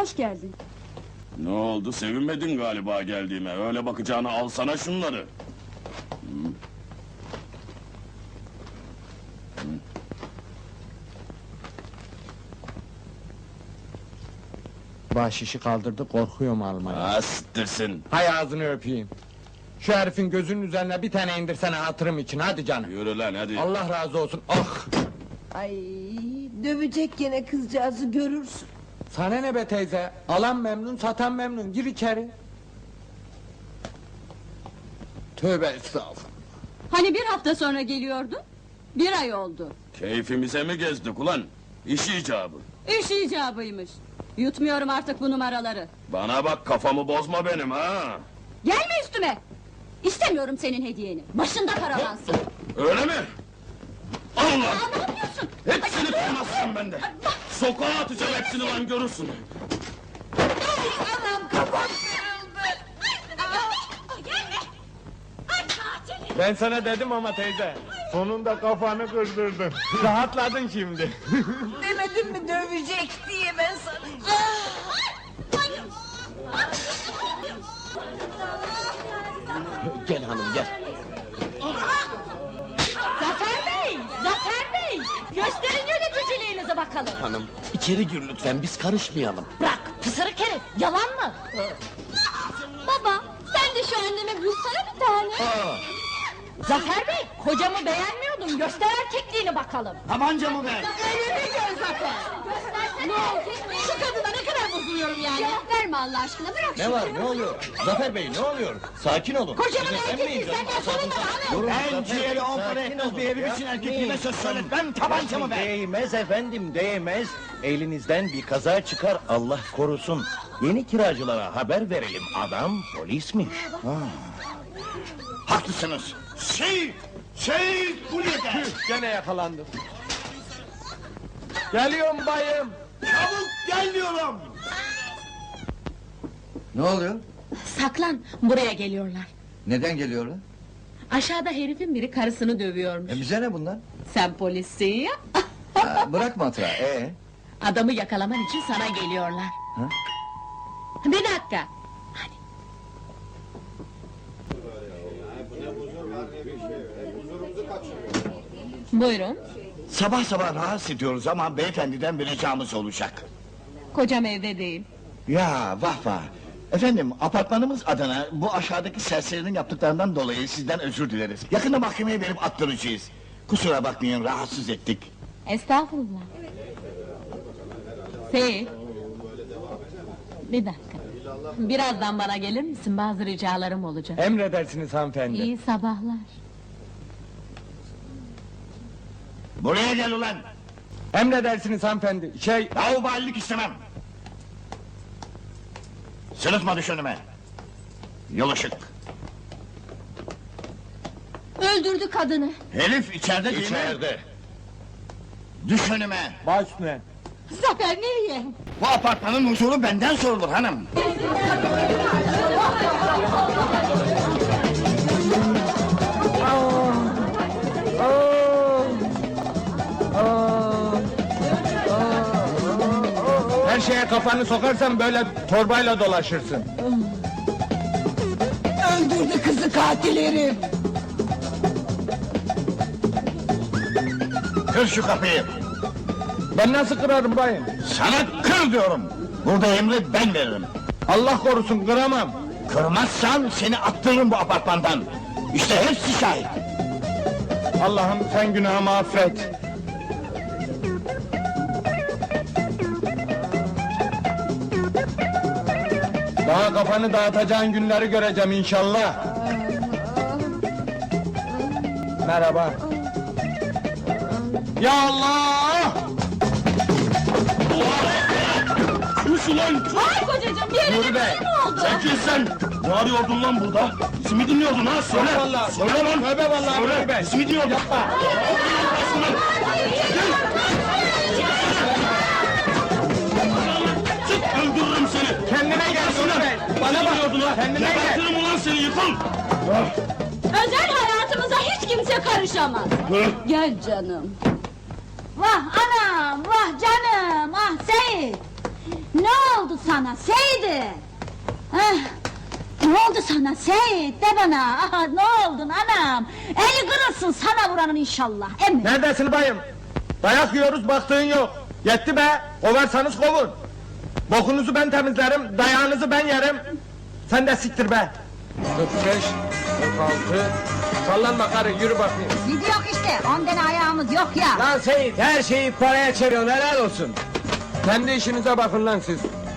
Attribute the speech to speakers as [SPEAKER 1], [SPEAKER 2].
[SPEAKER 1] hoş geldin.
[SPEAKER 2] Ne oldu, sevinmedin galiba geldiğime? Öyle bakacağına alsana şunları.
[SPEAKER 3] Bahşişi kaldırdı, korkuyorum almaya.
[SPEAKER 2] Astırsın.
[SPEAKER 3] Hay ağzını öpeyim. Şu herifin gözünün üzerine bir tane indirsene hatırım için, hadi canım.
[SPEAKER 2] Yürü lan hadi.
[SPEAKER 3] Allah razı olsun, ah!
[SPEAKER 4] Ay, dövecek gene kızcağızı görürsün.
[SPEAKER 3] Sana ne be teyze? Alan memnun, satan memnun, gir içeri. Tövbe estağfurullah.
[SPEAKER 1] Hani bir hafta sonra geliyordun? Bir ay oldu.
[SPEAKER 2] Keyfimize mi gezdik ulan? İş icabı.
[SPEAKER 1] İş icabıymış. Yutmuyorum artık bu numaraları.
[SPEAKER 2] Bana bak, kafamı bozma benim ha!
[SPEAKER 1] Gelme üstüme! İstemiyorum senin hediyeni. Başında paralansın.
[SPEAKER 2] Öyle mi? Al lan!
[SPEAKER 1] Aa, ne yapıyorsun?
[SPEAKER 2] Hepsini kırmazsın bende! Sokağa atacağım hepsini lan, görürsün!
[SPEAKER 4] Anam kafam kırıldı.
[SPEAKER 1] Gelme! Ay katil!
[SPEAKER 3] Ben sana dedim ama teyze. Sonunda kafanı kırdırdın. Rahatladın şimdi.
[SPEAKER 4] Demedim mi dövecek diye ben sana.
[SPEAKER 3] Gel hanım gel.
[SPEAKER 1] Zafer Bey! Zafer Bey! Gösterin yöneticiliğinizi bakalım.
[SPEAKER 5] Hanım, içeri gir lütfen, biz karışmayalım.
[SPEAKER 1] Bırak! Pısırık herif! Yalan mı? Baba! Sen de şu anneme bulsana bir tane. Zafer Bey! Kocamı beğenmiyordun. Göster erkekliğini bakalım.
[SPEAKER 5] Tabancamı ver!
[SPEAKER 1] Elini gör Zafer! Ne oldu? Şu kadına ne kadar bozuluyorum yani? Cevap verme Allah aşkına, bırak
[SPEAKER 5] Ne var, ne oluyor? Zafer Bey, ne oluyor? Sakin olun.
[SPEAKER 1] Kocamın
[SPEAKER 5] Sinirlenmeyin
[SPEAKER 1] erkekliği
[SPEAKER 5] canım,
[SPEAKER 1] senden sorun
[SPEAKER 5] asabınıza-
[SPEAKER 1] bana,
[SPEAKER 5] Durun,
[SPEAKER 6] Ben ciğeri on para
[SPEAKER 5] sakin
[SPEAKER 6] etmez
[SPEAKER 5] olun.
[SPEAKER 6] bir herif için erkekliğime söz söyletmem, tabancamı ver!
[SPEAKER 5] Değmez efendim, değmez. Elinizden bir kaza çıkar, Allah korusun. Yeni kiracılara haber verelim, adam polismiş.
[SPEAKER 6] Haklısınız! Şehit Hulye'de!
[SPEAKER 3] Gene yakalandım. Geliyorum bayım.
[SPEAKER 6] Çabuk gel diyorum!
[SPEAKER 7] Ne oluyor?
[SPEAKER 8] Saklan, buraya geliyorlar.
[SPEAKER 7] Neden geliyorlar?
[SPEAKER 8] Aşağıda herifin biri karısını dövüyormuş.
[SPEAKER 7] Bize ne bunlar?
[SPEAKER 8] Sen polissin ya.
[SPEAKER 7] Bırak matrağı.
[SPEAKER 8] Adamı yakalaman için sana geliyorlar.
[SPEAKER 7] Ha?
[SPEAKER 8] Bir dakika. Buyurun.
[SPEAKER 6] Sabah sabah rahatsız ediyoruz ama beyefendiden bir ricamız olacak.
[SPEAKER 8] Kocam evde değil.
[SPEAKER 6] Ya vah vah! Efendim, apartmanımız adına bu aşağıdaki serserinin yaptıklarından dolayı sizden özür dileriz. Yakında mahkemeye verip attıracağız. Kusura bakmayın, rahatsız ettik.
[SPEAKER 8] Estağfurullah. Seyit. Bir dakika. Birazdan bana gelir misin? Bazı ricalarım olacak.
[SPEAKER 3] Emredersiniz hanımefendi.
[SPEAKER 8] İyi sabahlar.
[SPEAKER 6] Buraya gel ulan!
[SPEAKER 3] Emredersiniz hanımefendi.
[SPEAKER 6] Laubalilik istemem! Sırıtma düş önüme! Yol ışık!
[SPEAKER 1] Öldürdü kadını.
[SPEAKER 6] Herif içeride değil mi?
[SPEAKER 5] İçeride.
[SPEAKER 6] Düş önüme!
[SPEAKER 3] Baş üstüne.
[SPEAKER 1] Zafer nereye?
[SPEAKER 6] Bu apartmanın huzuru benden sorulur hanım!
[SPEAKER 3] Her şeye kafanı sokarsan böyle torbayla dolaşırsın.
[SPEAKER 4] Öldürdü kızı katil herif.
[SPEAKER 6] Kır şu kapıyı!
[SPEAKER 3] Ben nasıl kırarım bayım?
[SPEAKER 6] Sana kır diyorum! Burada emri ben veririm!
[SPEAKER 3] Allah korusun, kıramam.
[SPEAKER 6] Kırmazsan seni attırırım bu apartmandan! İşte hepsi şahit!
[SPEAKER 3] Allah'ım sen günahımı affet. Daha kafanı dağıtacağın günleri göreceğim inşallah. Merhaba. Ya Allah!
[SPEAKER 2] Kuş ulan!
[SPEAKER 1] Ay kocacığım, bir yerine
[SPEAKER 3] Dur
[SPEAKER 1] bir
[SPEAKER 3] be!
[SPEAKER 1] şey mi oldu?
[SPEAKER 2] Çekil sen! Ne arıyordun lan burada? Bizi mi dinliyordun ha? Söyle!
[SPEAKER 3] Yok vallahi.
[SPEAKER 2] Söyle lan!
[SPEAKER 3] Tövbe vallahi
[SPEAKER 2] Söyle!
[SPEAKER 3] Nuri Bey.
[SPEAKER 2] Bizi mi dinliyordun?
[SPEAKER 3] Yapma.
[SPEAKER 2] Çık, öldürürüm seni!
[SPEAKER 3] Kendine gel Nuri Bey.
[SPEAKER 2] Bana bakıyordun ha!
[SPEAKER 3] Kendine gel.
[SPEAKER 2] Gebertirim ulan seni, yıkıl!
[SPEAKER 1] Özel hayatımıza hiç kimse karışamaz. Gel canım. Vah anam, vah canım, ah Seyit. Ne oldu
[SPEAKER 9] oldu sana Seydi? Heh, ne oldu sana Seyit? De bana, aha, ne oldun anam? Eli kırılsın sana vuranın inşallah, emin.
[SPEAKER 3] Neredesin bayım? Dayak yiyoruz baktığın yok. Yetti be, kovarsanız kovun. Bokunuzu ben temizlerim, dayağınızı ben yerim. Sen de siktir be. 45, 46, sallanma karı yürü bakayım.
[SPEAKER 9] Gidiyor işte, 10 tane ayağımız yok ya.
[SPEAKER 3] Lan Seyit her şeyi paraya çeviriyorsun helal olsun. Kendi işinize bakın lan siz.